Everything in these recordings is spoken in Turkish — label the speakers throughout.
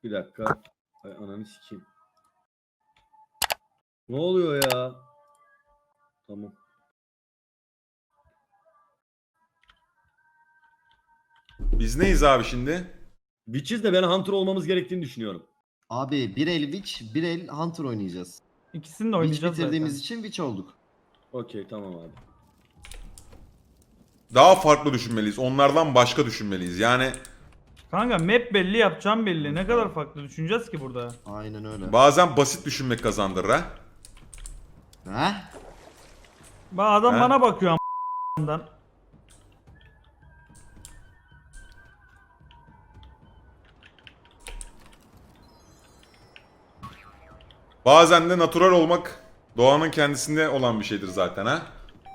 Speaker 1: Bir dakika. Ay ananı sikeyim. Ne oluyor ya? Tamam.
Speaker 2: Biz neyiz abi şimdi?
Speaker 1: Witch'iz de ben Hunter olmamız gerektiğini düşünüyorum.
Speaker 3: Abi bir el Witch, bir el Hunter oynayacağız.
Speaker 4: İkisini de
Speaker 3: Witch
Speaker 4: oynayacağız
Speaker 3: bitirdiğimiz
Speaker 4: zaten.
Speaker 3: için Witch olduk.
Speaker 1: Okey tamam abi.
Speaker 2: Daha farklı düşünmeliyiz. Onlardan başka düşünmeliyiz. Yani
Speaker 4: Kanka map belli, yapacağım belli. Ne kadar farklı düşüneceğiz ki burada?
Speaker 3: Aynen öyle.
Speaker 2: bazen basit düşünmek kazandırır ha.
Speaker 3: Heh?
Speaker 4: Bak adam
Speaker 2: He?
Speaker 4: bana bakıyor a**dan.
Speaker 2: Bazen de natural olmak doğanın kendisinde olan bir şeydir zaten ha.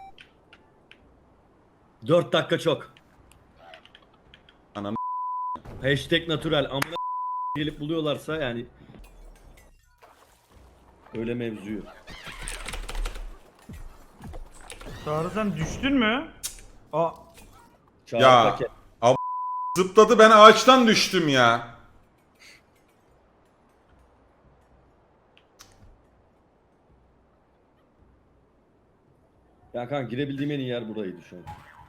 Speaker 1: 4 dakika çok.
Speaker 2: Ananı
Speaker 1: Hashtag natural. Amına gelip buluyorlarsa yani. Öyle mevzuyu.
Speaker 4: Çağrı sen düştün mü? Aa,
Speaker 1: Çağrı
Speaker 2: Ya.
Speaker 1: paket.
Speaker 2: zıpladı, ben ağaçtan düştüm ya.
Speaker 1: Ya kanka girebildiğim en iyi yer buraydı şu an.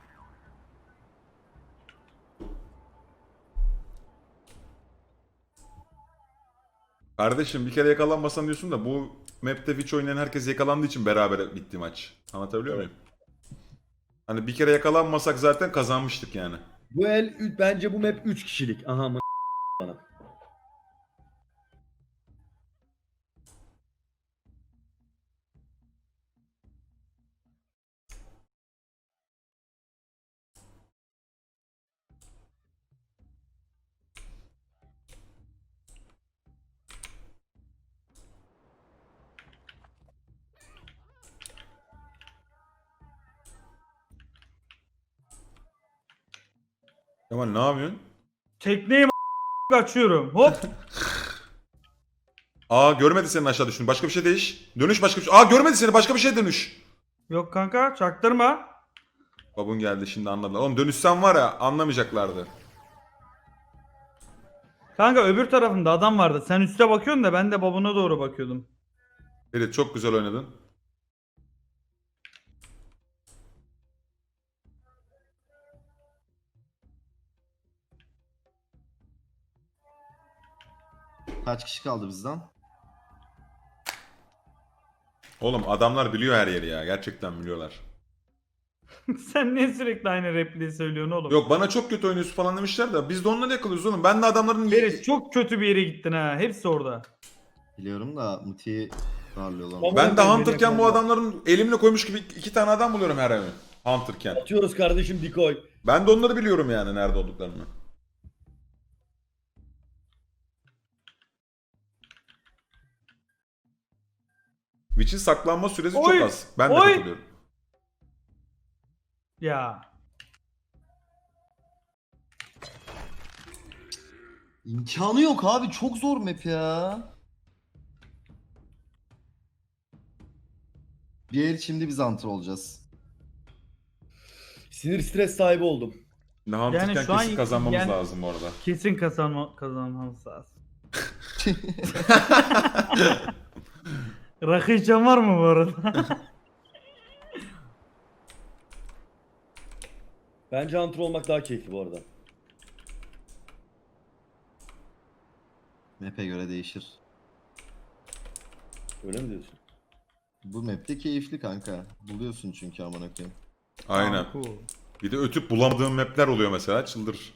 Speaker 2: Kardeşim bir kere yakalanmasan diyorsun da bu map'te Witch oynayan herkes yakalandığı için beraber bitti maç. Anlatabiliyor
Speaker 1: Evet.
Speaker 2: muyum? Hani bir kere yakalanmasak zaten kazanmıştık yani.
Speaker 1: Bu el bence bu map 3 kişilik. Aha mı bana.
Speaker 2: Kemal ne yapıyorsun?
Speaker 4: tekneyi kaçıyorum. Hop.
Speaker 2: Aa görmedi senin aşağı düştün. Başka bir şey değiş. Dönüş başka bir şey. Aa görmedi seni, başka bir şey dönüş.
Speaker 4: Yok kanka çaktırma.
Speaker 2: Babun geldi şimdi anladılar. Oğlum dönüşsen var ya anlamayacaklardı.
Speaker 4: Kanka öbür tarafında adam vardı. Sen üste bakıyorsun da ben de babuna doğru bakıyordum.
Speaker 2: Evet çok güzel oynadın.
Speaker 3: Kaç kişi kaldı bizden?
Speaker 2: Oğlum adamlar biliyor her yeri ya. Gerçekten biliyorlar.
Speaker 4: Sen niye sürekli aynı repliği söylüyorsun oğlum?
Speaker 2: Yok bana çok kötü oynuyorsun falan demişler de biz de onları yakalıyoruz oğlum. Ben de adamların...
Speaker 4: Ferit çok kötü bir yere gittin ha. Hepsi orada.
Speaker 3: Biliyorum da Muti'yi darlıyorlar.
Speaker 1: Tamam.
Speaker 2: Ben de
Speaker 1: Beni
Speaker 2: Hunter'ken bu
Speaker 1: yakalıyorlar.
Speaker 2: adamların elimle koymuş gibi iki tane adam buluyorum her eve. Hunter'ken.
Speaker 1: Atıyoruz kardeşim decoy.
Speaker 2: Ben de onları biliyorum yani nerede olduklarını. Witch'in saklanma süresi
Speaker 4: Oy!
Speaker 2: çok az. Ben de
Speaker 4: Oy!
Speaker 2: katılıyorum.
Speaker 4: Ya.
Speaker 3: İmkanı yok abi, çok zor map ya. Bir el şimdi biz Hunter olacağız.
Speaker 1: Sinir stres sahibi oldum.
Speaker 2: Şimdi Hunter'ken
Speaker 4: Yani şu an
Speaker 2: kesin kazanmamız
Speaker 4: yani-
Speaker 2: lazım bu arada.
Speaker 4: Kesin kazanmamız lazım. Rakı içen var mı bu arada?
Speaker 1: Bence Hunter olmak daha keyifli bu arada.
Speaker 3: Map'e göre değişir.
Speaker 1: Öyle mi diyorsun?
Speaker 3: Bu map'te keyifli kanka. Buluyorsun çünkü amına koyayım.
Speaker 2: Aynen.
Speaker 4: Tamam, cool.
Speaker 2: Bir de ötüp bulamadığım mapler oluyor mesela. Çıldır.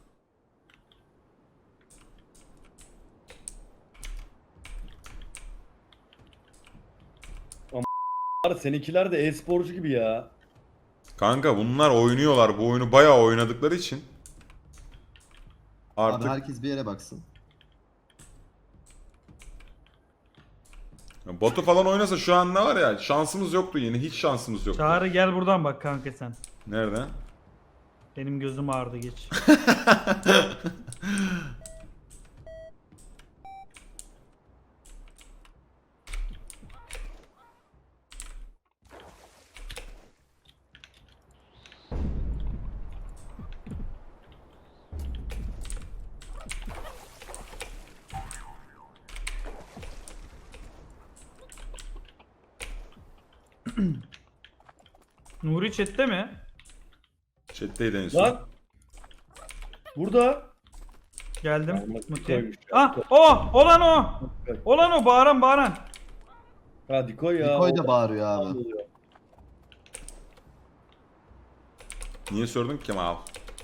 Speaker 1: Var seninkiler de e-sporcu gibi ya.
Speaker 2: Kanka bunlar oynuyorlar. Bu oyunu bayağı oynadıkları için. Artık
Speaker 3: Abi herkes bir yere baksın.
Speaker 2: Batu falan oynasa şu an ne var ya? Şansımız yoktu yine. Hiç şansımız yoktu.
Speaker 4: Çağrı gel buradan bak kanka sen.
Speaker 2: Nerede?
Speaker 4: Benim gözüm ağrıdı geç. Nuri chatte mi?
Speaker 2: Chat'teydi en son.
Speaker 1: Lan. Burada.
Speaker 4: Geldim.
Speaker 1: Ama
Speaker 4: Muti.
Speaker 1: koymuş ya.
Speaker 4: Ah o! Olan o! Olan o! Bağıran.
Speaker 1: Hadi koy ya.
Speaker 3: Nikoy da
Speaker 1: Orada
Speaker 3: bağırıyor abi.
Speaker 1: oluyor.
Speaker 2: Niye sordun ki Kemal?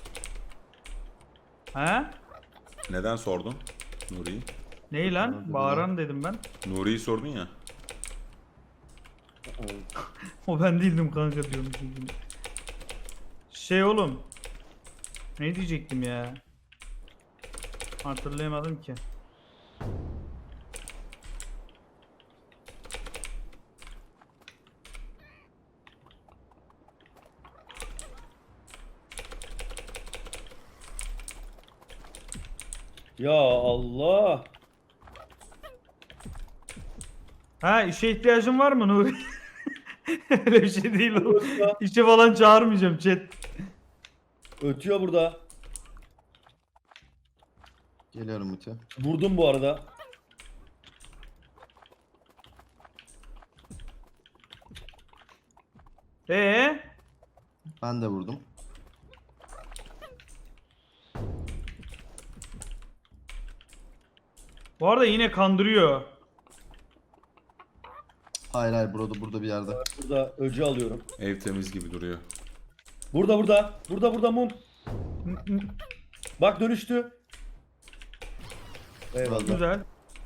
Speaker 4: He?
Speaker 2: Neden sordun Nuri'yi?
Speaker 4: Neyi lan? Bağıran dedim ben.
Speaker 2: Nuri'yi sordun ya.
Speaker 4: O ben değildim kanka diyorum. Şey oğlum. Ne diyecektim ya? Hatırlayamadım ki.
Speaker 1: Ya Allah.
Speaker 4: Ha işe ihtiyacın var mı Nuri? Öyle bir şey değil o.
Speaker 1: Ya.
Speaker 4: İşe falan çağırmayacağım chat.
Speaker 1: Ötüyor burada.
Speaker 3: Geliyorum Muti.
Speaker 1: Vurdum bu arada.
Speaker 4: Ee?
Speaker 3: Ben de vurdum.
Speaker 4: Bu arada yine kandırıyor.
Speaker 3: Hayır burada bir yerde.
Speaker 1: Burada öcü alıyorum.
Speaker 2: Ev temiz gibi duruyor.
Speaker 1: Burada mum. Bak dönüştü. Eyvallah.
Speaker 4: Güzel.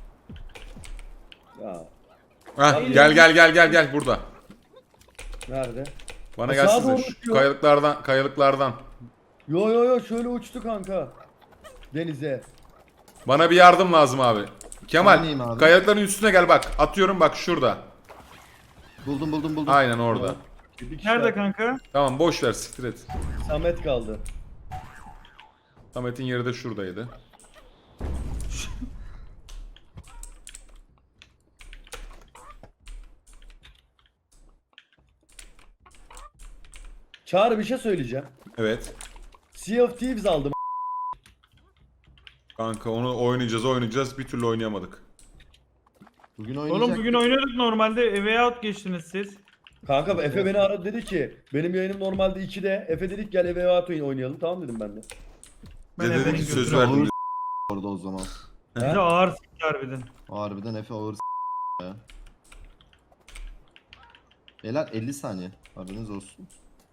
Speaker 1: Ya
Speaker 2: Hah, gel burada.
Speaker 1: nerede?
Speaker 2: Bana
Speaker 1: Aşağı
Speaker 2: gelsene
Speaker 1: doğru
Speaker 2: şu
Speaker 1: uçuyor.
Speaker 2: kayalıklardan.
Speaker 1: Yo şöyle uçtu kanka. Denize.
Speaker 2: Bana bir yardım lazım abi. Kemal,
Speaker 3: Neredeyim abi?
Speaker 2: kayalıkların üstüne gel bak. Atıyorum bak şurada.
Speaker 3: Buldum.
Speaker 2: Aynen orada.
Speaker 1: Bir kişi
Speaker 4: Nerede
Speaker 1: var.
Speaker 4: kanka?
Speaker 2: Tamam boş ver siktir et.
Speaker 1: Samet kaldı.
Speaker 2: Samet'in yeri de şuradaydı.
Speaker 1: Çağrı bir şey söyleyeceğim.
Speaker 2: Evet.
Speaker 1: Sea of Thieves aldım.
Speaker 2: Kanka onu oynayacağız. Bir türlü oynayamadık.
Speaker 3: Bugün oynayacak.
Speaker 4: Oğlum bugün oynadık normalde. Way out geçtiniz siz.
Speaker 1: Kanka Efe beni aradı dedi ki benim yayınım normalde 2'de. Efe dedik gel eve oynayalım. Tamam dedim ben de.
Speaker 4: Ben
Speaker 2: Bize dedi
Speaker 4: Efe'nin
Speaker 2: ki söz
Speaker 4: götüne
Speaker 2: verdim.
Speaker 3: orada o zaman.
Speaker 4: Bize ağır s**t harbiden.
Speaker 3: Harbiden Efe ağır ya. Beyler 50 saniye. Haberiniz olsun.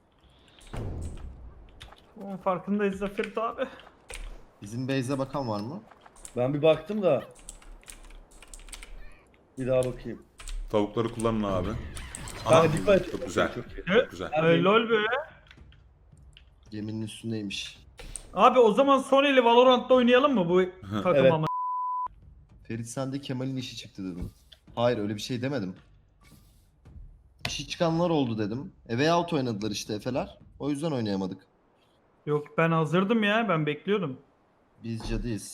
Speaker 4: Onun farkındayız Zafer abi.
Speaker 3: Bizim base'e bakan var mı?
Speaker 1: Ben bir baktım da. Bir daha bakayım.
Speaker 2: Tavukları kullanın abi.
Speaker 1: Kanka dikkat et.
Speaker 2: Çok güzel.
Speaker 1: Çok iyi.
Speaker 2: Çok güzel.
Speaker 4: Ay, lol be.
Speaker 3: Geminin üstündeymiş.
Speaker 4: Abi o zaman Sony'li Valorant'ta oynayalım mı bu takım
Speaker 1: Evet.
Speaker 4: ama?
Speaker 3: Ferit sen de Kemal'in işi çıktı dedim. Hayır öyle bir şey demedim. İşi çıkanlar oldu dedim. Way out oynadılar işte Efe'ler. O yüzden oynayamadık.
Speaker 4: Yok ben hazırdım ya ben bekliyordum.
Speaker 3: Biz cadıyız.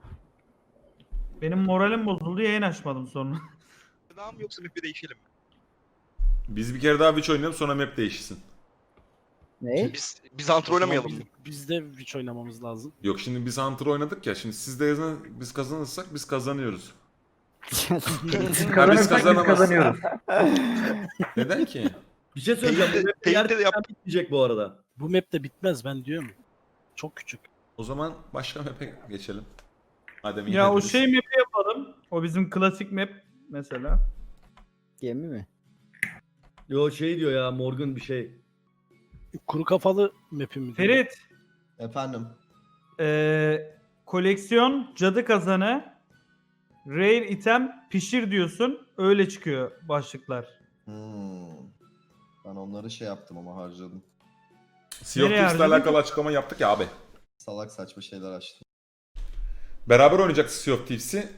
Speaker 4: Benim moralim bozuldu yayın açmadım sonra.
Speaker 5: Daha mı yoksa map'i değişelim mi?
Speaker 2: Biz bir kere daha Witch oynayalım sonra map değişsin.
Speaker 6: Ne?
Speaker 5: Biz antrenör oynamayalım mı?
Speaker 6: Biz de Witch oynamamız lazım.
Speaker 2: Yok şimdi biz Hunter oynadık ya. Şimdi siz de yazın biz kazanırsak biz kazanıyoruz. Ha, biz kazanamazsak. Neden ki?
Speaker 1: Bir şey söyleyeceğim. Bu map
Speaker 5: Teyit de yap.
Speaker 1: gerçekten bitmeyecek bu arada.
Speaker 6: Bu map de bitmez ben diyorum. Çok küçük.
Speaker 2: O zaman başka map'e geçelim. Madem
Speaker 4: Ya o
Speaker 2: inlediniz.
Speaker 4: şey map'i yapalım. O bizim klasik map mesela.
Speaker 7: Gemi mi?
Speaker 1: Yo şey diyor ya Morgan bir şey.
Speaker 6: Kuru kafalı map'i mi?
Speaker 4: Ferit,
Speaker 3: Efendim.
Speaker 4: koleksiyon, cadı kazanı, rare item, pişir diyorsun. Öyle çıkıyor başlıklar.
Speaker 3: Ben onları şey yaptım ama harcadım.
Speaker 2: Sea of
Speaker 4: Nereye
Speaker 2: Thieves'le
Speaker 4: harcadın?
Speaker 2: alakalı açıklama yaptık ya abi.
Speaker 3: Salak saçma şeyler açtım.
Speaker 2: Beraber oynayacaktık Sea of Thieves'i.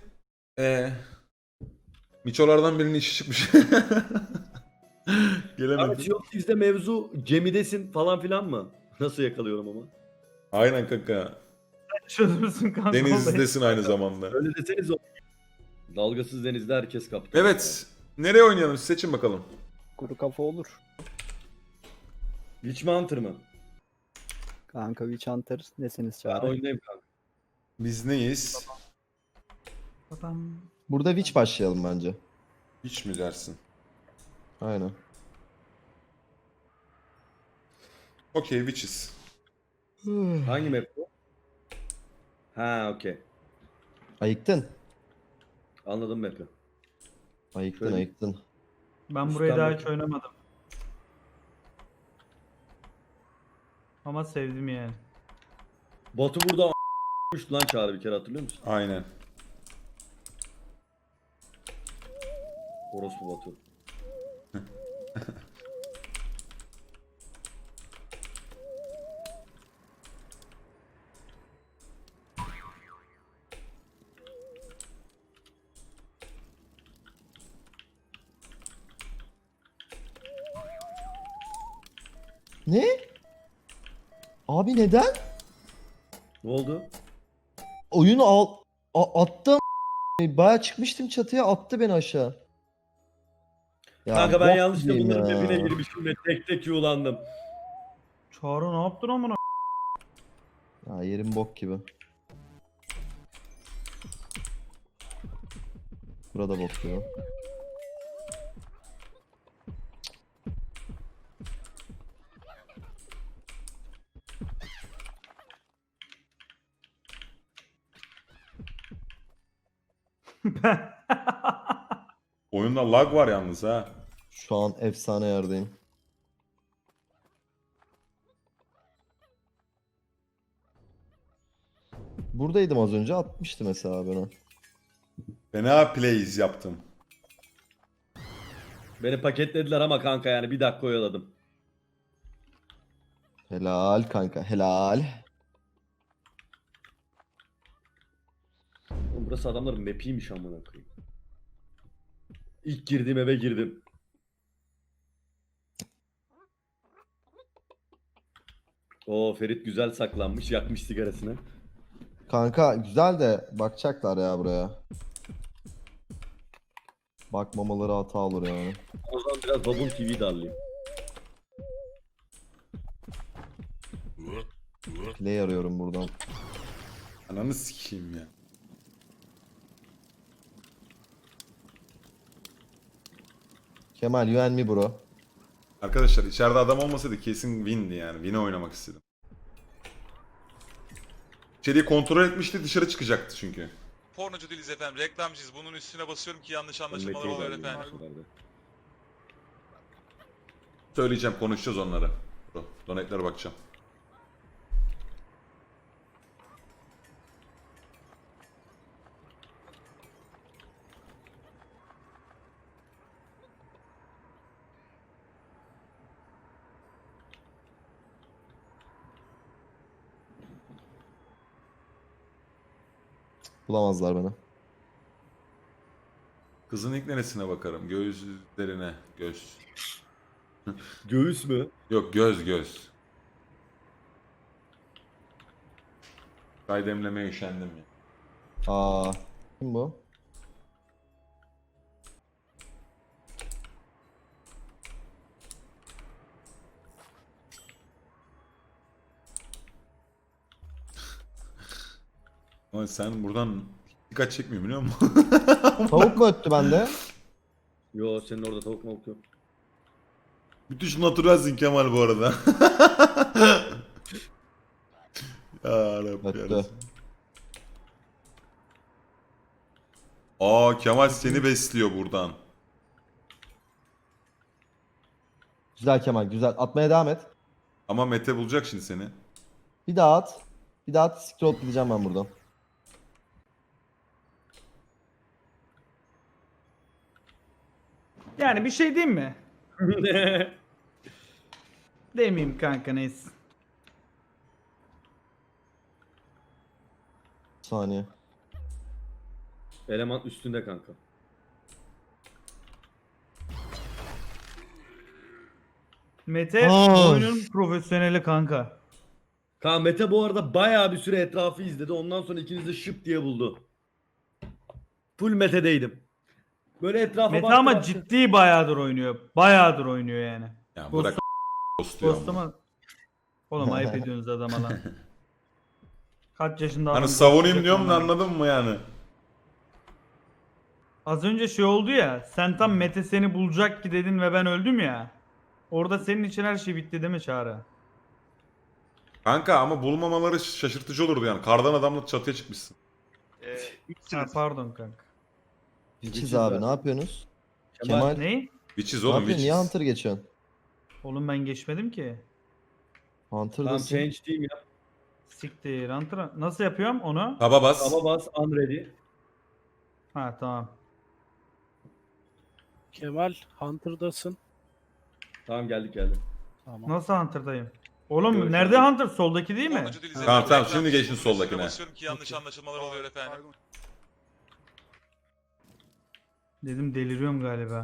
Speaker 2: Miçolardan birinin işi çıkmış.
Speaker 1: Abi
Speaker 2: Gelemedim.
Speaker 1: Sea of Thieves'de mevzu gemidesin falan filan mı? Nasıl yakalıyorum ama?
Speaker 2: Aynen kanka.
Speaker 4: Çözümsün kanka. olayı.
Speaker 2: Denizdesin aynı zamanda.
Speaker 1: Öyle deseniz o. Dalgasız denizde herkes kaptan.
Speaker 2: Evet. Nereye oynayalım? Seçin bakalım.
Speaker 7: Kuru kafa olur.
Speaker 1: Witch mi Hunter mı?
Speaker 7: Kanka Witch Hunter nesiniz
Speaker 1: Ben
Speaker 7: Çağrı?
Speaker 1: oynayayım kanka.
Speaker 2: Biz neyiz?
Speaker 4: Adam.
Speaker 3: Burada Witch başlayalım bence.
Speaker 2: Hiç mi dersin?
Speaker 3: Aynen.
Speaker 2: Okey, witches.
Speaker 1: Hangi map bu? Ha okey.
Speaker 3: Ayıktın.
Speaker 1: Anladım map'i.
Speaker 3: Ayıktın
Speaker 1: Şöyle-
Speaker 3: ayıktın.
Speaker 4: Ben burayı daha hiç
Speaker 1: İstanbul.
Speaker 4: oynamadım. Ama sevdim yani.
Speaker 1: Batu burada a**mıştı lan Çağrı bir kere hatırlıyor musun?
Speaker 2: Aynen.
Speaker 1: Orospu Batu.
Speaker 3: Ne? Abi neden?
Speaker 1: Ne oldu?
Speaker 3: Oyunu attı. Baya çıkmıştım çatıya, attı beni aşağı. Ya
Speaker 1: Kanka ben
Speaker 3: bok
Speaker 1: yanlışlıkla
Speaker 3: gibiyim
Speaker 1: bunların
Speaker 3: ya.
Speaker 1: map'ine girmişim ve tek tek yuğlandım.
Speaker 4: Çağrı ne yaptın amına?
Speaker 3: Ya yerim bok gibi. Burada bok gibi.
Speaker 2: Oyunda lag var yalnız ha.
Speaker 3: Şu an efsane yerdeyim. Buradaydım az önce, atmıştı mesela beni.
Speaker 2: Fena plays yaptım.
Speaker 1: Beni paketlediler ama kanka yani bir dakika oyaladım.
Speaker 3: Helal kanka, helal.
Speaker 1: Oğlum burası adamların map'iymiş amına koyayım. İlk girdiğim eve girdim. Oo Ferit güzel saklanmış, yakmış sigarasını.
Speaker 3: Kanka güzel de bakacaklar ya buraya. Bakmamaları hata olur yani.
Speaker 1: O zaman biraz Babun TV'yi darlayayım.
Speaker 3: Play arıyorum buradan.
Speaker 2: Ananı sikeyim ya.
Speaker 3: Kemal, you and me bro.
Speaker 2: Arkadaşlar içeride adam olmasaydı kesin win'di yani. Win'e oynamak istedim. İçeriği kontrol etmişti, dışarı çıkacaktı çünkü.
Speaker 8: Pornocu değiliz efendim, reklamcıyız. Bunun üstüne basıyorum ki yanlış
Speaker 1: Ben
Speaker 8: anlaşılmalar
Speaker 1: Mete'yi
Speaker 8: oluyor
Speaker 1: darlayayım
Speaker 8: efendim.
Speaker 1: bu sefer de.
Speaker 2: Söyleyeceğim, konuşacağız onları. Donate'lere bakacağım.
Speaker 3: Bulamazlar beni.
Speaker 2: Kızın ilk neresine bakarım? Göğüslerine. Göz.
Speaker 1: Göğüs mü?
Speaker 2: Yok, göz. Çay demlemeye üşendim ya.
Speaker 3: Aa, kim bu?
Speaker 2: Ama sen buradan dikkat çekmiyor biliyor musun?
Speaker 3: Tavuk mu öttü bende?
Speaker 1: Yo senin orada tavuk mavuk yok.
Speaker 2: Müthiş naturalsin Kemal bu arada. Ya Rabbi
Speaker 3: Öttü.
Speaker 2: yarasın. Aa, Kemal seni besliyor buradan.
Speaker 3: Güzel Kemal, güzel. Atmaya devam et.
Speaker 2: Ama Mete bulacak şimdi seni.
Speaker 3: Bir daha at. Bir daha at. Scroll gideceğim ben buradan.
Speaker 4: Yani bir şey diyeyim mi? Demeyeyim kanka neyse.
Speaker 3: Bir saniye.
Speaker 1: Eleman üstünde kanka.
Speaker 4: Mete
Speaker 3: Aa.
Speaker 4: oyunun profesyoneli kanka.
Speaker 1: Kaan Mete bu arada bayağı bir süre etrafı izledi. Ondan sonra ikiniz de şıp diye buldu. Full Mete'deydim. Böyle etrafa
Speaker 4: Mete
Speaker 1: baktı,
Speaker 4: ama
Speaker 1: baktı.
Speaker 4: ciddi bayağıdır oynuyor. Bayağıdır oynuyor yani.
Speaker 2: Ya bırak ghostluyor ama.
Speaker 4: Dostuma... Oğlum ayıp ediyorsunuz adama lan. Kaç yaşında
Speaker 2: Hani
Speaker 4: adam
Speaker 2: savunayım
Speaker 4: ghostlayacak
Speaker 2: diyorum da
Speaker 4: lan.
Speaker 2: anladın mı yani?
Speaker 4: Az önce şey oldu ya. Sen tam Mete seni bulacak ki dedin ve ben öldüm ya. Orada senin için her şey bitti değil mi Çağrı?
Speaker 2: Kanka ama bulmamaları şaşırtıcı olurdu yani. Kardan adamla çatıya çıkmışsın.
Speaker 4: Ha,
Speaker 5: Üçsünüz.
Speaker 4: pardon kanka.
Speaker 3: Witches abi ne yapıyorsunuz? Kemal
Speaker 4: Ne?
Speaker 2: Witches
Speaker 3: ne
Speaker 2: oğlum
Speaker 3: yapıyorsun? Niye
Speaker 2: Witches.
Speaker 3: Hunter geçiyorsun?
Speaker 4: Oğlum ben geçmedim ki.
Speaker 1: Tamam
Speaker 3: Hunter'dasın.
Speaker 1: change team yap.
Speaker 4: Siktir. Nasıl yapıyorum onu?
Speaker 2: Taba bas.
Speaker 1: Taba bas unready.
Speaker 4: Ha tamam.
Speaker 6: Kemal Hunter'dasın.
Speaker 1: Tamam geldik.
Speaker 6: Tamam.
Speaker 4: Nasıl Hunter'dayım? Oğlum
Speaker 1: Görüş
Speaker 4: nerede
Speaker 1: aldım.
Speaker 4: Hunter? Soldaki değil mi?
Speaker 8: Sonuncu dil
Speaker 2: Tamam, tamam,
Speaker 8: reklam
Speaker 2: şimdi
Speaker 8: çiz,
Speaker 2: geçin
Speaker 8: bunun üstüne
Speaker 2: soldakine.
Speaker 8: basıyorum ki yanlış anlaşılmalar oluyor efendim.
Speaker 4: Dedim deliriyorum galiba.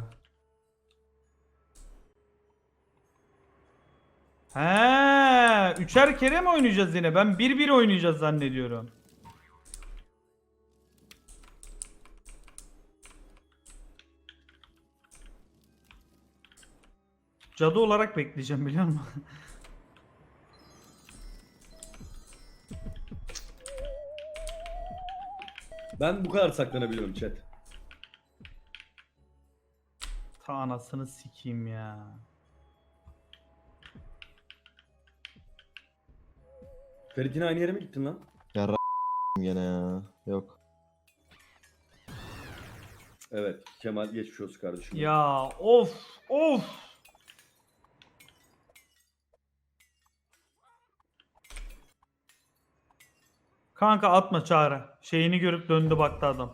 Speaker 4: He, üçer kere mi oynayacağız yine? Ben 1-1 oynayacağız zannediyorum. Cadı olarak bekleyeceğim biliyor musun?
Speaker 1: Ben bu kadar saklanabiliyorum chat.
Speaker 4: Ta anasını sikeyim ya.
Speaker 1: Ferit yine aynı yere mi gittin lan?
Speaker 3: Ya gene ya. Yok.
Speaker 1: Evet. Kemal geçmiş olsun kardeşim.
Speaker 4: Ya of of. Kanka atma Çağrı. Şeyini görüp döndü baktı adam.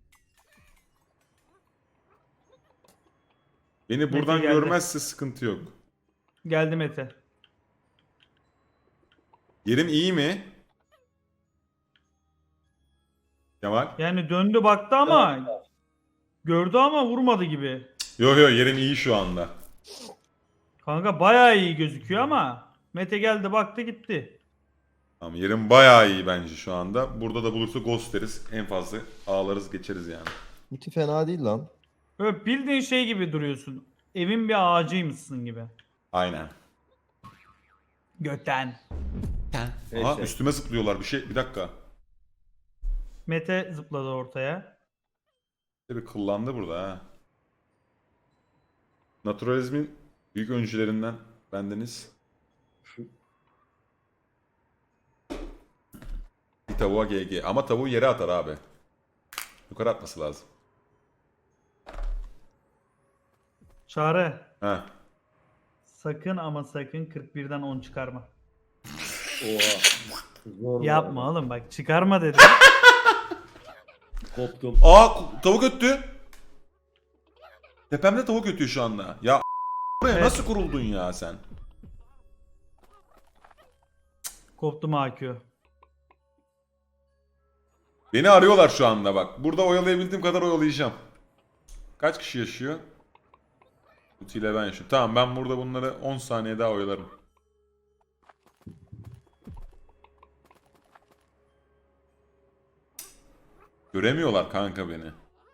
Speaker 2: Beni buradan
Speaker 4: geldi.
Speaker 2: görmezse sıkıntı yok.
Speaker 4: Geldi Mete.
Speaker 2: Yerim iyi mi? Kemal?
Speaker 4: Yani döndü baktı ama gördü ama vurmadı gibi.
Speaker 2: Yo yerim iyi şu anda.
Speaker 4: Kanka bayağı iyi gözüküyor ama Mete geldi baktı gitti.
Speaker 2: Tamam yerim bayağı iyi bence şu anda. Burada da bulursa ghost deriz. En fazla ağlarız geçeriz yani.
Speaker 3: Muti fena değil lan.
Speaker 4: Böyle bildiğin şey gibi duruyorsun. Evin bir ağacıymışsın gibi.
Speaker 2: Aynen.
Speaker 4: Göten.
Speaker 2: Aha
Speaker 1: Neyse.
Speaker 2: üstüme zıplıyorlar bir dakika.
Speaker 4: Mete zıpladı ortaya.
Speaker 2: Bir kıllandı burada ha. Naturalizmin büyük öncülerinden bendeniz. Bir tavuğa GG. Ama tavuğu yere atar abi. Yukarı atması lazım.
Speaker 4: Çağrı.
Speaker 2: Ha.
Speaker 4: Sakın ama sakın 41'den 10 çıkarma.
Speaker 1: Oha. Zor bu
Speaker 4: Yapma
Speaker 1: arada.
Speaker 4: oğlum bak çıkarma dedi.
Speaker 1: Koptum.
Speaker 2: Aa tavuk öttü. Tepemde tavuk ötüyor şu anda. Ya buraya
Speaker 4: Evet.
Speaker 2: nasıl kuruldun ya sen?
Speaker 4: Koptum AQ.
Speaker 2: Beni arıyorlar şu anda bak. Burada oyalayabildiğim kadar oyalayacağım. Kaç kişi yaşıyor? Uti ile ben yaşıyorum. Tamam ben burada bunları 10 saniye daha oyalarım. Göremiyorlar kanka beni.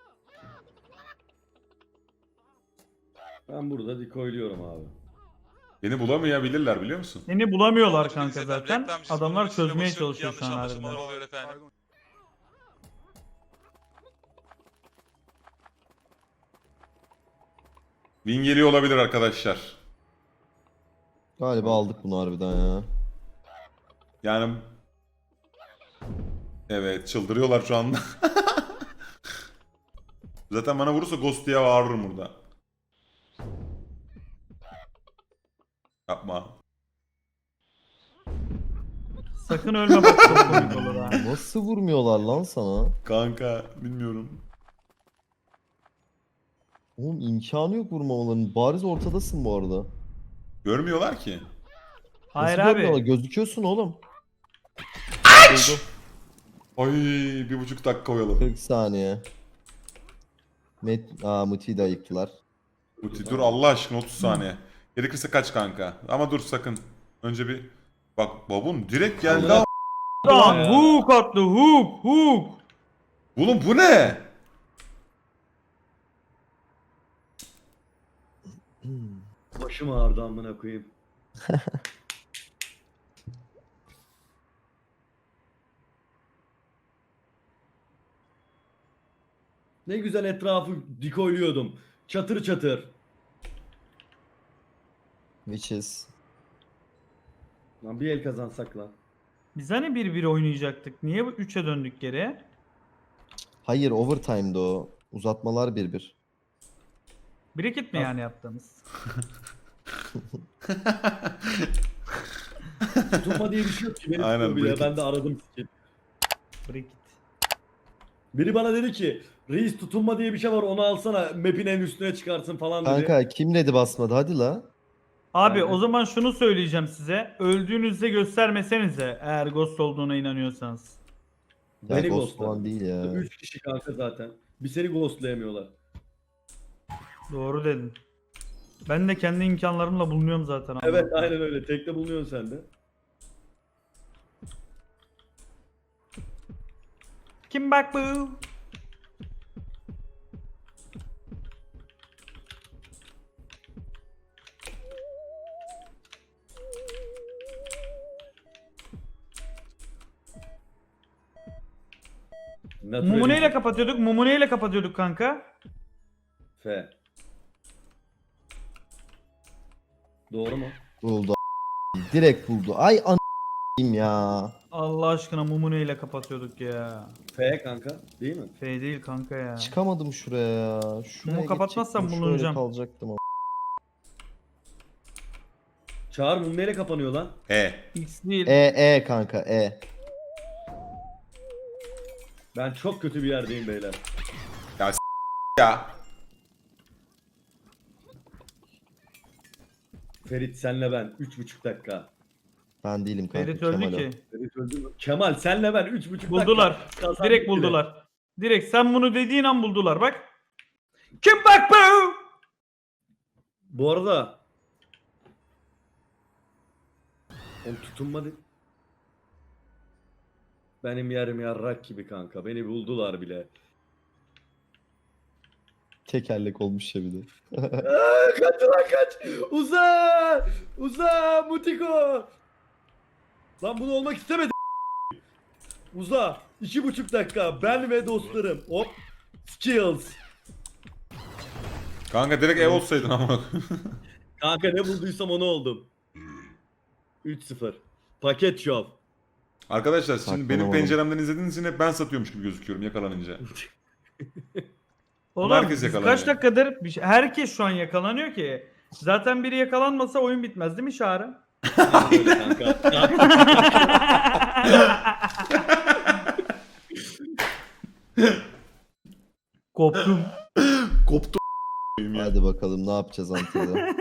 Speaker 1: Ben burada decoyluyorum abi.
Speaker 2: Beni bulamayabilirler biliyor musun?
Speaker 4: Seni bulamıyorlar
Speaker 8: Sonuncu
Speaker 4: kanka
Speaker 8: dil
Speaker 4: zaten.
Speaker 8: reklam çiz,
Speaker 4: Adamlar
Speaker 8: bunun üstüne
Speaker 4: çözmeye
Speaker 8: basıyorum ki
Speaker 4: çalışıyor şu an
Speaker 8: yanlış anlaşılmalar
Speaker 4: harbiden.
Speaker 8: oluyor efendim.
Speaker 2: Win geliyor olabilir arkadaşlar.
Speaker 3: Galiba aldık bunu harbiden ya.
Speaker 2: Yani evet çıldırıyorlar şu anda. Zaten bana vurursa Ghost diye bağırırım burada. Yapma.
Speaker 4: Sakın ölme bak çok komik olur ha.
Speaker 3: Nasıl vurmuyorlar lan sana?
Speaker 2: Kanka bilmiyorum.
Speaker 3: Oğlum imkanı yok vurmamalarının. Bariz ortadasın bu arada.
Speaker 2: Görmüyorlar ki.
Speaker 4: Hayır
Speaker 3: Nasıl görmüyorlar?
Speaker 4: abi.
Speaker 3: Gözüküyorsun oğlum.
Speaker 2: Ay 1,5 dakika oyaladım.
Speaker 3: 40 saniye. Muti'yi de ayıktılar.
Speaker 2: Uti dur Allah aşkına 30 saniye. Gerekirse kaç kanka. Ama dur sakın. Önce bir... Bak babun direkt geldi
Speaker 1: Allah-
Speaker 2: ama.
Speaker 4: Adam hook attı hook.
Speaker 2: Oğlum bu ne?
Speaker 1: Başım ağrıdı amına koyayım. Ne güzel etrafı decoyluyordum. Çatır çatır.
Speaker 3: Witches.
Speaker 1: Lan bir el kazansak lan.
Speaker 4: Biz hani 1-1 oynayacaktık. Niye bu 3'e döndük geri?
Speaker 3: Hayır overtime'da o. Uzatmalar 1-1.
Speaker 4: Bricket mi yani yaptığımız?
Speaker 1: Tutunma diye bir şey yok ki. Beni
Speaker 2: Aynen,
Speaker 1: tutuyor bile.
Speaker 2: Bricket.
Speaker 1: Ben de aradım skin.
Speaker 4: Bricket.
Speaker 1: Biri bana dedi ki reis tutunma diye bir şey var onu alsana map'in en üstüne çıkarsın falan dedi.
Speaker 3: Kanka kim dedi basmadı hadi la.
Speaker 4: Abi
Speaker 1: Yani-
Speaker 4: o zaman şunu söyleyeceğim size. Öldüğünüzde göstermesenize eğer ghost olduğuna inanıyorsanız.
Speaker 3: Ya
Speaker 1: Beni
Speaker 3: ghost
Speaker 1: ghostladı.
Speaker 3: falan değil ya.
Speaker 1: 3 kişi kanka zaten. Bir seni ghostlayamıyorlar.
Speaker 4: Doğru dedin. Ben de kendi imkanlarımla bulunuyorum zaten.
Speaker 1: Evet
Speaker 4: Allah'tan.
Speaker 1: aynen öyle. Tekte bulunuyorsun sen de.
Speaker 4: Kim bak bu? Mumuneyle kapatıyorduk. Mumuneyle kapatıyorduk kanka.
Speaker 1: F. Doğru mu?
Speaker 3: Buldu. Direkt buldu. Ay ya.
Speaker 4: Allah aşkına Mumuneyle kapatıyorduk ya.
Speaker 1: F kanka değil mi?
Speaker 4: F değil kanka ya.
Speaker 3: Çıkamadım şuraya ya. Şuraya
Speaker 4: Mumu kapatmazsam
Speaker 3: geçecektim,
Speaker 4: bulunacağım.
Speaker 3: Şöyle kalacaktım ama.
Speaker 1: Çağır mum neyle kapanıyor lan?
Speaker 4: X değil.
Speaker 3: E kanka E.
Speaker 1: Ben çok kötü bir yerdeyim beyler.
Speaker 2: Ya.
Speaker 1: Ferit senle ben 3,5 dakika.
Speaker 3: Ben değilim kanka.
Speaker 4: Ferit öldü
Speaker 3: Kemal o.
Speaker 4: ki.
Speaker 1: Ferit öldü mü? Kemal senle ben 3,5 dakika.
Speaker 4: Buldular.
Speaker 1: Kazandık
Speaker 4: Direkt
Speaker 1: bile.
Speaker 4: buldular. Direkt sen bunu dediğin an buldular bak. Kim bak bu?
Speaker 1: Bu arada oğlum tutunma benim yerim yarrak gibi kanka. Beni buldular bile.
Speaker 3: Tekerlek olmuş ya bir de.
Speaker 1: Kaç lan kaç. Uza. Uza Mutiko. Lan bunu olmak istemedim. Uza. 2,5 dakika. Ben ve dostlarım. Hop. Skills.
Speaker 2: Kanka direkt ev olsaydın ama.
Speaker 1: Kanka ne bulduysam onu oldum. 3-0. Paket şov.
Speaker 2: Arkadaşlar şimdi benim
Speaker 3: Saklamadım.
Speaker 2: penceremden izlediğiniz için hep ben satıyormuş gibi gözüküyorum yakalanınca.
Speaker 4: Oğlum
Speaker 2: Herkes
Speaker 4: biz
Speaker 2: yakalanıyor.
Speaker 4: kaç dakikadır herkes şu an yakalanıyor ki. Zaten biri yakalanmasa oyun bitmez değil mi Çağrı?
Speaker 1: Kanka.
Speaker 4: Koptum.
Speaker 2: Koptu ya.
Speaker 3: Hadi bakalım ne yapacağız Antalya'da.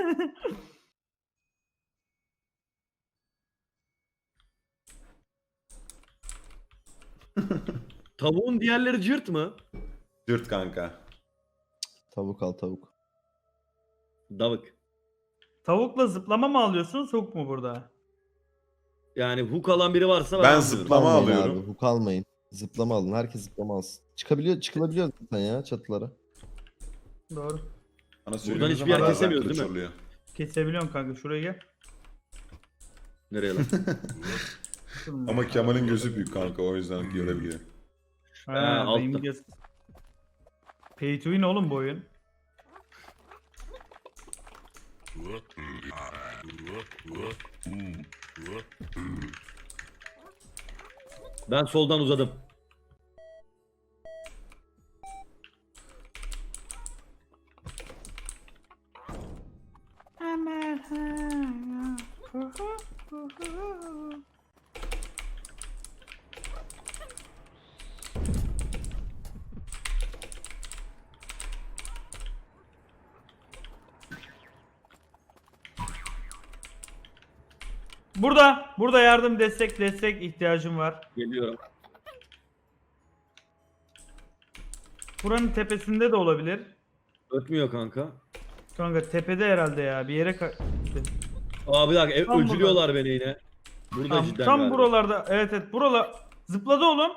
Speaker 1: Tavuğun diğerleri cırt mı?
Speaker 2: Dürt kanka.
Speaker 3: Tavuk al tavuk.
Speaker 1: Davık.
Speaker 4: Tavukla zıplama mı alıyorsun soğuk mu burada?
Speaker 1: Yani hook alan biri varsa ben
Speaker 2: Ben
Speaker 1: almıyorum.
Speaker 2: zıplama
Speaker 3: Almayın
Speaker 2: alıyorum.
Speaker 3: Abi, hook almayın. Zıplama alın. Herkes zıplama alsın. Çıkılabiliyor zaten ya çatılara.
Speaker 4: Doğru.
Speaker 2: Bana
Speaker 1: Buradan hiçbir yer kesemiyoruz, değil mi?
Speaker 2: Oluyor.
Speaker 4: Kesebiliyorsun kanka şuraya gel.
Speaker 1: Nereye lan?
Speaker 2: Ama Kemal'in gözü büyük kanka o yüzden görebiliyor.
Speaker 4: Ha,
Speaker 1: altta.
Speaker 4: benim Pay to win oğlum bu oyun.
Speaker 1: Ben soldan uzadım.
Speaker 4: Burada yardım destek ihtiyacım var.
Speaker 1: Geliyorum.
Speaker 4: Buranın tepesinde de olabilir.
Speaker 1: Ötmüyor kanka.
Speaker 4: Kanka tepede herhalde ya bir yere
Speaker 1: Aa bir dakika
Speaker 4: Tam
Speaker 1: öcülüyorlar beni yine. Burada
Speaker 4: tam,
Speaker 1: cidden
Speaker 4: tam
Speaker 1: galiba.
Speaker 4: buralarda evet buralar zıpladı oğlum.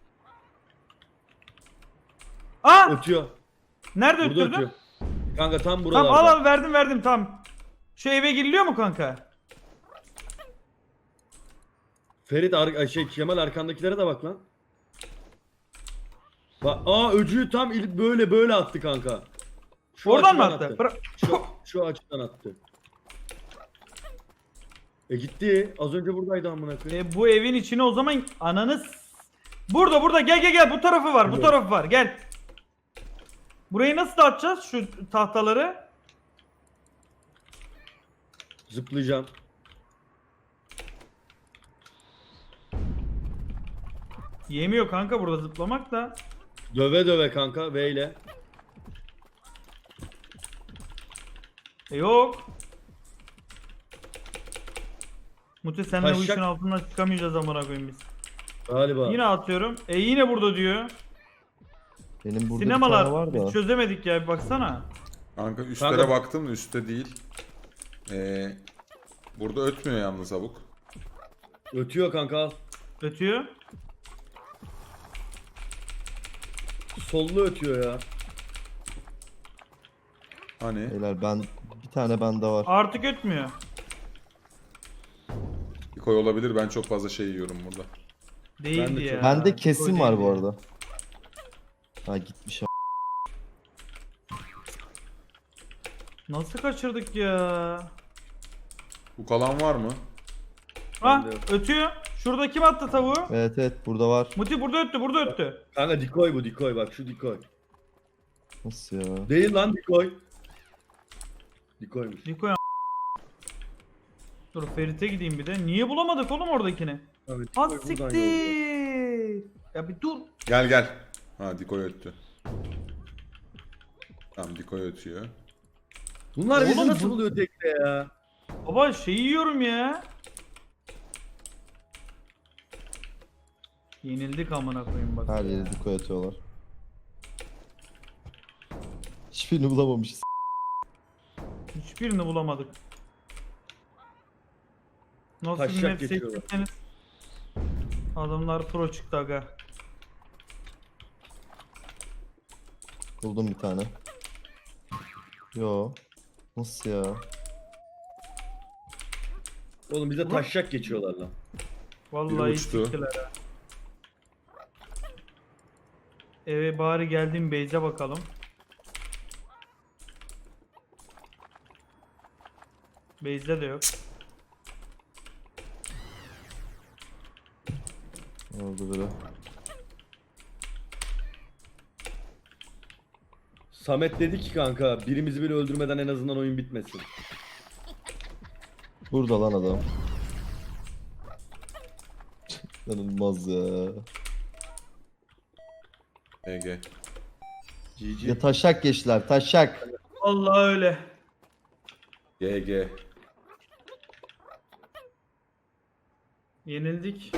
Speaker 4: Aa
Speaker 1: Ötüyor.
Speaker 4: nerede
Speaker 1: Burada
Speaker 4: öttürdün?
Speaker 1: ötüyor. Kanka tam
Speaker 4: Tamam
Speaker 1: buralarda.
Speaker 4: al verdim tam. Şu eve giriliyor mu kanka?
Speaker 1: Ferit Kemal arkandakilere de bak lan. Bak öcüyü tam böyle attı kanka. Şu
Speaker 4: Oradan mı
Speaker 1: açıdan
Speaker 4: attı?
Speaker 1: Şu açıdan attı. Gitti. Az önce buradaydı amına koyayım.
Speaker 4: Bu evin içine o zaman Burada gel bu tarafı var bu
Speaker 1: Evet.
Speaker 4: tarafı var gel. Burayı nasıl dağıtacağız şu tahtaları?
Speaker 1: Zıplayacağım.
Speaker 4: Yemiyor kanka burada zıplamak da.
Speaker 1: Döve döve kanka V ile.
Speaker 4: Yok. Mute senle bu
Speaker 1: Taşacak.
Speaker 4: işin altından çıkamayacağız amına koyayım biz.
Speaker 1: Galiba.
Speaker 4: Yine atıyorum. Yine burada diyor.
Speaker 3: Benim burada
Speaker 4: Sinemalar
Speaker 3: bir tane var da.
Speaker 4: biz çözemedik ya bir baksana.
Speaker 2: Kanka üstlere
Speaker 1: Kanka-
Speaker 2: baktım da üstte değil. Burada ötmüyor yalnız abuk.
Speaker 1: Ötüyor kanka al.
Speaker 4: Ötüyor.
Speaker 1: Sollu ötüyor ya.
Speaker 2: Hani?
Speaker 3: Beyler ben bir tane bende var.
Speaker 4: Artık ötmüyor.
Speaker 2: Bir koy olabilir, ben çok fazla şey yiyorum burada.
Speaker 4: Değildi
Speaker 1: Ben de
Speaker 4: ya.
Speaker 1: çok-
Speaker 3: Bende kesin var
Speaker 4: Değildi
Speaker 3: bu
Speaker 4: ya.
Speaker 3: arada. Ha gitmiş.
Speaker 4: Nasıl kaçırdık ya?
Speaker 2: Bu kalan var mı?
Speaker 4: Ha
Speaker 1: Bende yok.
Speaker 4: ötüyor. Şurada kim attı tavuğu?
Speaker 3: Evet burada var.
Speaker 4: Muti burada öttü.
Speaker 1: Kanka dikoy bu dikoy bak şu dikoy.
Speaker 3: Nasıl ya?
Speaker 1: Değil lan dikoy. Dikoymuş.
Speaker 4: Niko ya. Dur Ferit'e gideyim bir de. Niye bulamadık oğlum oradakini?
Speaker 1: Abi,
Speaker 4: Ha
Speaker 1: dikoy buradan yolluyor.
Speaker 4: siktir. Ya bir dur.
Speaker 2: Gel gel. Ha Dikoy öttü. Tamam Dikoy ötüyor.
Speaker 1: Bunlar bizi
Speaker 4: Oğlum
Speaker 1: nasıl
Speaker 4: bu-
Speaker 1: buluyor tekte ya?
Speaker 4: Baba şeyi yiyorum ya. Yenildik amına koyayım bak.
Speaker 3: Her yere diko atıyorlar. Hiçbirini bulamamışız.
Speaker 4: Hiçbirini bulamadık. Nasıl bir
Speaker 1: Taşacak
Speaker 4: map
Speaker 1: geçiyorlar.
Speaker 4: seçtiyseniz. Adamlar pro çıktı aga.
Speaker 3: Buldum bir tane. Yo. Nasıl ya?
Speaker 1: Oğlum bize taşacak geçiyorlar lan.
Speaker 4: Vallahi
Speaker 2: Biri uçtu.
Speaker 4: siktiler ha. Eve bari geldim Beyze bakalım. Beyze de yok.
Speaker 3: Ne oldu böyle?
Speaker 1: Samet dedi ki kanka birimizi bile öldürmeden en azından oyun bitmesin.
Speaker 3: Burada lan adam. İnanılmaz ya.
Speaker 2: EG.
Speaker 1: GG.
Speaker 3: Ya taşak geçtiler taşak.
Speaker 4: Allah öyle.
Speaker 2: GG.
Speaker 4: Yenildik.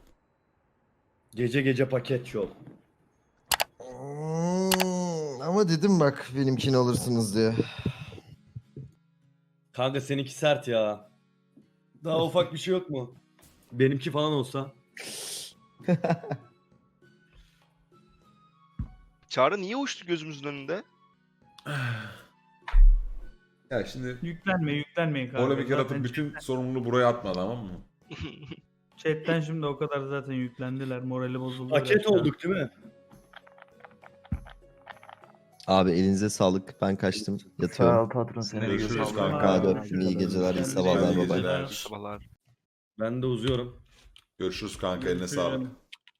Speaker 1: Gece gece paket şov.
Speaker 3: Ama dedim bak benimkini alırsınız diye.
Speaker 1: Kanka seninki sert ya. Daha ufak bir şey yok mu? Benimki falan olsa.
Speaker 5: Çağrı niye uçtu gözümüzün önünde?
Speaker 2: Ya şimdi
Speaker 4: Yüklenmeyin kanka.
Speaker 2: orada bir kere atıp
Speaker 4: Zaten
Speaker 2: bütün sorumluluğu buraya atma, tamam mı?
Speaker 4: chatten şimdi o kadar zaten yüklendiler. Morali bozuldu.
Speaker 1: Paket
Speaker 4: gerçekten.
Speaker 1: olduk değil mi?
Speaker 3: Abi elinize sağlık. Ben kaçtım. Yatıyorum.
Speaker 7: patron
Speaker 2: Görüşürüz kanka.
Speaker 3: Hadi öptüm. İyi geceler, iyi sabahlar.
Speaker 2: İyi
Speaker 3: Bye bye.
Speaker 2: geceler.
Speaker 5: Sabahlar.
Speaker 1: Ben de uzuyorum.
Speaker 2: Görüşürüz kanka, eline sağlık.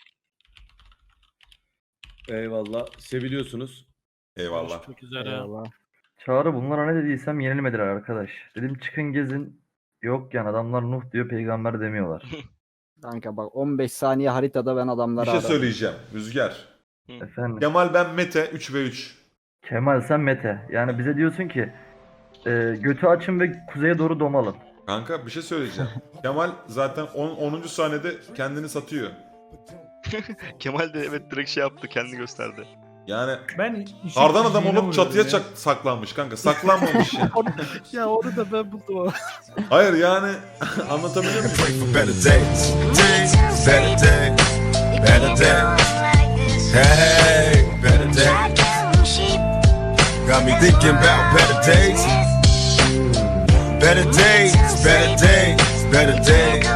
Speaker 1: Eyvallah. Seviliyorsunuz.
Speaker 2: Eyvallah.
Speaker 6: Görüşmek üzere.
Speaker 7: Eyvallah.
Speaker 9: Çağrı bunlara ne dediysem yenilmediler arkadaş. Dedim çıkın gezin. Yok yani adamlar Nuh diyor, peygamber demiyorlar.
Speaker 7: Kanka bak 15 saniye haritada ben
Speaker 2: Bir
Speaker 7: adamları
Speaker 2: şey
Speaker 7: aradım.
Speaker 2: söyleyeceğim. Rüzgar.
Speaker 9: Efendim.
Speaker 2: Kemal ben Mete 3v3.
Speaker 9: Kemal sen Mete. Yani bize diyorsun ki götü açın ve kuzeye doğru domalın.
Speaker 2: Kanka bir şey söyleyeceğim. Kemal zaten 10. saniyede kendini satıyor.
Speaker 5: Kemal de evet direkt şey yaptı, kendini gösterdi.
Speaker 2: Yani
Speaker 4: Ben
Speaker 2: kardan adam
Speaker 4: işin
Speaker 2: olup çatıya
Speaker 4: vuruyorum ya.
Speaker 2: saklanmış kanka. Saklanmamış ya.
Speaker 6: Ya onu da ben buldum.
Speaker 2: Hayır yani anlatabiliyor muyum?
Speaker 10: Better days, better day, better day. Hey, better day. Got me thinking about better days. Better days, better days, better days.